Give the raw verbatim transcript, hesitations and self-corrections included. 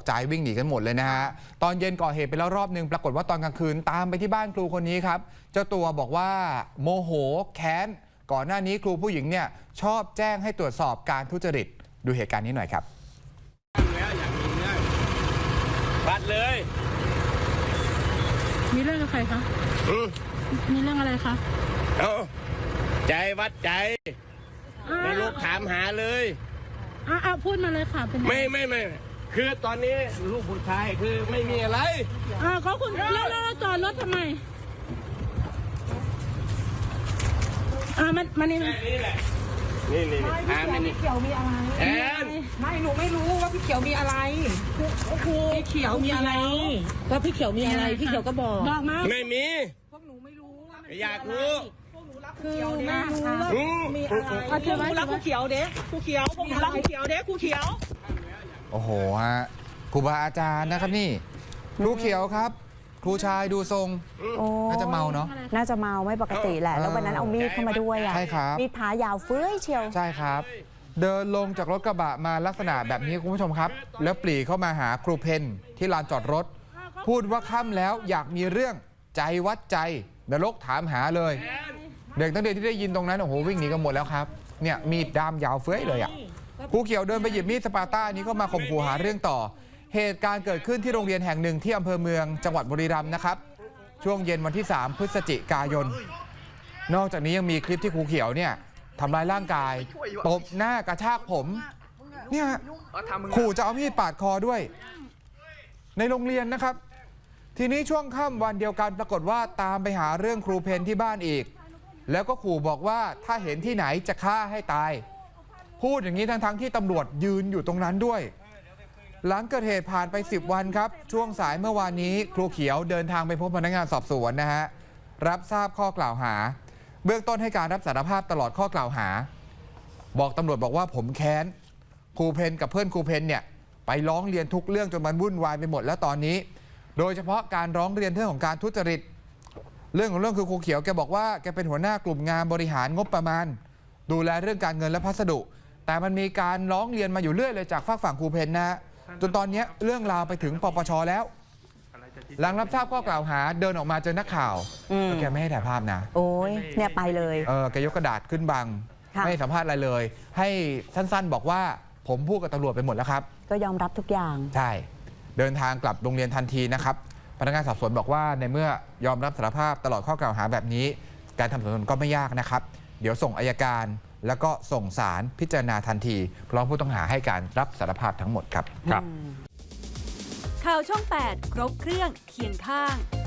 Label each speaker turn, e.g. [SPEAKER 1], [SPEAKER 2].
[SPEAKER 1] ใจวิ่งหนีกันหมดเลยนะฮะตอนเย็นก่อเหตุไปแล้วรอบนึงปรากฏว่าตอนกลางคืนตามไปที่บ้านครูคนนี้ครับเจ้าตัวบอกว่าโมโหแค้นก่อนหน้านี้ครูผู้หญิงเนี่ยชอบแจ้งให้ตรวจสอบการทุจริตดูเหตุการณ์นี้หน่อยครับ
[SPEAKER 2] แล้วอยากมีเรื่องบัดเลย
[SPEAKER 3] มีเรื่องกับใครคะมีเรื่องอะไรคะ
[SPEAKER 2] เอาใจวัดใจในลูกถามหาเลย
[SPEAKER 3] อ่าพูดมาเลยค่ะเป็น
[SPEAKER 2] ไม่ไม่ไม่คือตอนนี้ลูกผู้ชายคือไม่มีอะไร
[SPEAKER 3] อ่าเขาคุณแล้วเราจอดรถทำไมอ่ามันมันนี่
[SPEAKER 2] นี่แหละนี่นี่อ่าไม่
[SPEAKER 4] พี่เขียวมีอะไร
[SPEAKER 2] แอน
[SPEAKER 4] ไม่หนูไม่รู้ว่าพี่เขียวมีอะไรพี่เขียวมีอะไรว่าพี่เขียวมีอะไรพี่เขียวก็บอก
[SPEAKER 3] บอกมา
[SPEAKER 2] ไม่มี
[SPEAKER 4] พวกหนูไม่รู้
[SPEAKER 2] อยากรู้
[SPEAKER 4] คือไม่รู้ว่ามีอะไรครูรักครูเขียวเด็กครูเขียวพวกหนูรักครูเขียวเด็กครูเขียว
[SPEAKER 1] โอ้โหฮะครูบาอาจารย์นะครับนี่ครูเขียวครับครูชายดูทรงน่าจะเมาเนาะ
[SPEAKER 5] น่าจะเมาไม่ปกติแหละแล้ววันนั้นเอามีดเข้ามาด้วยอ่ะ
[SPEAKER 1] ใช่ครับ
[SPEAKER 5] มีดพายาวเฟ้ยเชียว
[SPEAKER 1] ใช่ครับเดินลงจากรถกระบะมาลักษณะแบบนี้คุณผู้ชมครับแล้วปรีเข้ามาหาครูเพนที่ลานจอดรถพูดว่าค่ำแล้วอยากมีเรื่องใจวัดใจนรกถามหาเลยเด็กตั้งแต่ที่ได้ยินตรงนั้นโอ้โหวิ่งหนีกันหมดแล้วครับเนี่ยมีดด้ามยาวเฟ้ยเลยอ่ะครูเขียวเดินไปหยิบมีดสปาต้านี้ก็มาข่มขู่หาเรื่องต่อเหตุการณ์เกิดขึ้นที่โรงเรียนแห่งหนึ่งที่อำเภอเมืองจังหวัดบุรีรัมย์นะครับช่วงเย็นวันที่สามพฤศจิกายนนอกจากนี้ยังมีคลิปที่ครูเขียวเนี่ยทำร้ายร่างกายตบหน้ากระชากผมเนี่ยขู่จะเอามีดปาดคอด้วยในโรงเรียนนะครับทีนี้ช่วงค่ำวันเดียวกันปรากฏว่าตามไปหาเรื่องครูเพนที่บ้านอีกแล้วก็ขู่บอกว่าถ้าเห็นที่ไหนจะฆ่าให้ตายพูดอย่างนี้ทั้งๆที่ตำรวจยืนอยู่ตรงนั้นด้วยหลังเกิดเหตุผ่านไปสิบวันครับช่วงสายเมื่อวานนี้ครูเขียวเดินทางไปพบพนักงานสอบสวนนะฮะรับทราบข้อกล่าวหาเบื้องต้นให้การรับสารภาพตลอดข้อกล่าวหาบอกตำรวจบอกว่าผมแค้นครูเพนกับเพื่อนครูเพนเนี่ยไปร้องเรียนทุกเรื่องจนมันวุ่นวายไปหมดแล้วตอนนี้โดยเฉพาะการร้องเรียนเรื่องของการทุจริตเรื่องของเรื่องคือครูเขียวแกบอกว่าแกเป็นหัวหน้ากลุ่มงานบริหารงบประมาณดูแลเรื่องการเงินและพัสดุแต่มันมีการร้องเรียนมาอยู่เรื่อยเลยจากฝากฝั่งครูเพนนะจนตอนนี้เรื่องราวไปถึงปปช.แล้วหลังรับทราบข้อกล่าวหาเดินออกมาเจอนักข่าวแกไม่ให้ถ่ายภาพนะ
[SPEAKER 5] โอ้ยเนี่ยไปเลย
[SPEAKER 1] เออแกยกกระดาษขึ้นบังไม่สัมภาษณ์อะไรเลยให้สั้นๆบอกว่าผมพูดกับตำรวจไปหมดแล้วครับ
[SPEAKER 5] ก็ยอมรับทุกอย่าง
[SPEAKER 1] ใช่เดินทางกลับโรงเรียนทันทีนะครับพนักงานสอบสวนบอกว่าในเมื่อยอมรับสารภาพตลอดข้อกล่าวหาแบบนี้การทำสำนวนก็ไม่ยากนะครับเดี๋ยวส่งอัยการแล้วก็ส่งศาลพิจารณาทันทีเพราะผู้ต้องหาให้การรับสารภาพทั้งหมดครับ
[SPEAKER 6] ครับข่าวช่องแปดครบเครื่องเคียงข้าง